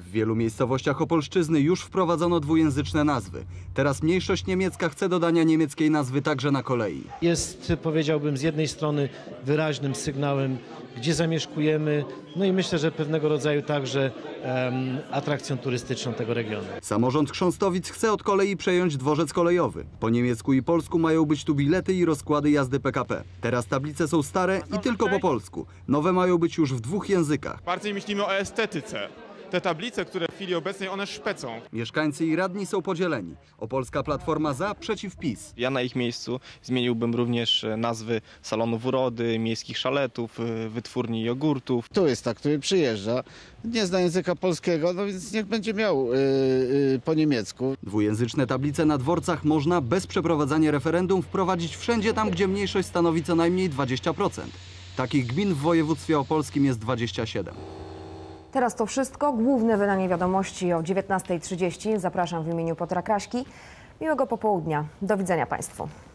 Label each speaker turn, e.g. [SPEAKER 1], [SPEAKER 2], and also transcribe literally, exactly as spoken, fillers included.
[SPEAKER 1] W wielu miejscowościach Opolszczyzny już wprowadzono dwujęzyczne nazwy. Teraz mniejszość niemiecka chce dodania niemieckiej nazwy także na kolei.
[SPEAKER 2] Jest, powiedziałbym, z jednej strony wyraźnym sygnałem, gdzie zamieszkujemy, no i myślę, że pewnego rodzaju także um, atrakcją turystyczną tego regionu.
[SPEAKER 1] Samorząd Chrząstowic chce od kolei przejąć dworzec kolejowy. Po niemiecku i polsku mają być tu bilety i rozkłady jazdy P K P. Teraz tablice są stare i tylko po polsku. Nowe mają być już w dwóch językach.
[SPEAKER 3] Bardziej myślimy o estetyce. Te tablice, które w chwili obecnej one szpecą.
[SPEAKER 1] Mieszkańcy i radni są podzieleni. Opolska Platforma za, przeciw PiS.
[SPEAKER 4] Ja na ich miejscu zmieniłbym również nazwy salonów urody, miejskich szaletów, wytwórni jogurtów.
[SPEAKER 5] Turysta, który przyjeżdża, nie zna języka polskiego, no więc niech będzie miał yy, yy, po niemiecku.
[SPEAKER 1] Dwujęzyczne tablice na dworcach można bez przeprowadzania referendum wprowadzić wszędzie tam, gdzie mniejszość stanowi co najmniej dwadzieścia procent. Takich gmin w województwie opolskim jest dwadzieścia siedem.
[SPEAKER 6] Teraz to wszystko. Główne wydanie wiadomości o dziewiętnastej trzydzieści. Zapraszam w imieniu Piotra Kraśki. Miłego popołudnia. Do widzenia Państwu.